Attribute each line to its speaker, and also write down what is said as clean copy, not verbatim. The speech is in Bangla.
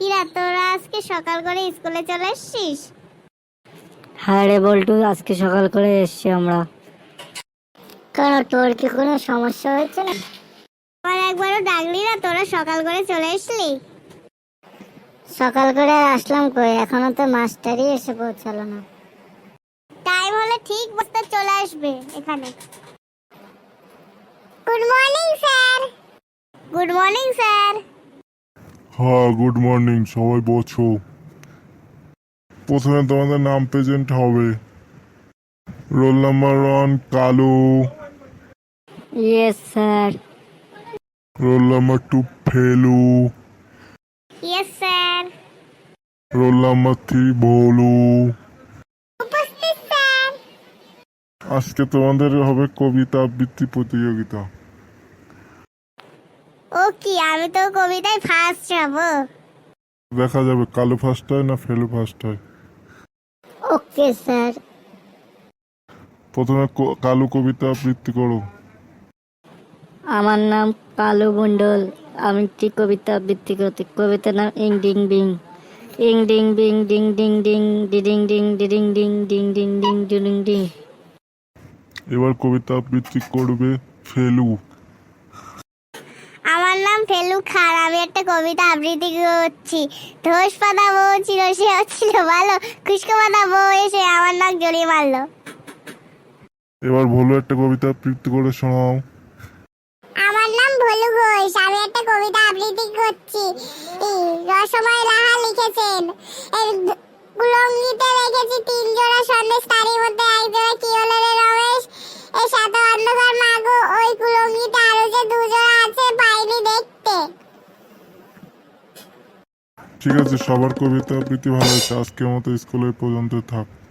Speaker 1: ইরা, তোরা আজকে সকাল করে স্কুলে চলে এসেছিস?
Speaker 2: হ্যাঁ রে বল্টু, আজকে সকাল করে এসছি আমরা। কেন, তোর কি কোনো সমস্যা হয়েছে না?
Speaker 1: আমার একবারও ডাকলি না, তোরা সকাল করে চলে এসলি।
Speaker 2: সকাল করে আসলাম কই, এখনো তো মাস্টারই এসে পৌঁছালো না।
Speaker 1: টাইম হলে ঠিক বসতে চলে আসবে এখানে। Good morning sir. Good morning sir.
Speaker 3: হ্যাঁ, গুড মর্নিং। সবাই বসো। প্রথমে তোমাদের নাম প্রেজেন্ট হবে। Roll number 1 Kalu.
Speaker 2: Yes sir.
Speaker 3: Roll number 2 Felu.
Speaker 1: Yes sir.
Speaker 3: Roll number 3 Bholu.
Speaker 1: উপস্থিত স্যার।
Speaker 3: আজকে তোমাদের হবে কবিতা আবৃত্তি প্রতিযোগিতা।
Speaker 1: ও কি, আমি তো কবিতায় ফার্স্ট হব।
Speaker 3: দেখা যাবে কালু ফার্স্ট হয় না ফেলু ফার্স্ট হয়।
Speaker 2: Okay sir.
Speaker 3: প্রথমে কালু কবিতা আবৃত্তি করো।
Speaker 2: আমার নাম কালু মণ্ডল। আমি একটি কবিতা আবৃত্তি করতে। কবিতার নাম ইং ডিং বিং। ইং ডিং বিং ডিং ডিং ডিং ডিডিং ডিং ডিডিং ডিং ডিং ডিং ডিং ডিডিং ডিং।
Speaker 3: এবার কবিতা আবৃত্তি করবে ফেলু।
Speaker 1: আমার নাম ফেলু খান, আমি একটা কবিতা আবৃত্তি করছি। ধোস পাতা বউ ছিল, সে ছিল ভালো, খুশকো পাতা বউ এসে আমার নাক জড়িয়ে মারলো।
Speaker 3: এবার ভোলু একটা কবিতা আবৃত্তি করে শোনাও।
Speaker 1: আমার নাম ভোলু ঘোষ, আমি একটা কবিতা আবৃত্তি করছি। রসময় লাহা লিখেছেন, এর কুলঙ্গিতে রেখেছি 3 জোড়া সন্দেশ, তারই মধ্যে এক জোড়া কি হলো রে রমেশ? এর সাথে অন্ধকার মাগো, ওই কুলঙ্গিতে আরো যে 2 জোড়া আছে পাইনি দেখতে।
Speaker 3: ঠিক আছে, সবার কবিতা আবৃত্তি ভালো হয়েছে। আজকের মতো স্কুলে পর্যন্ত থাক।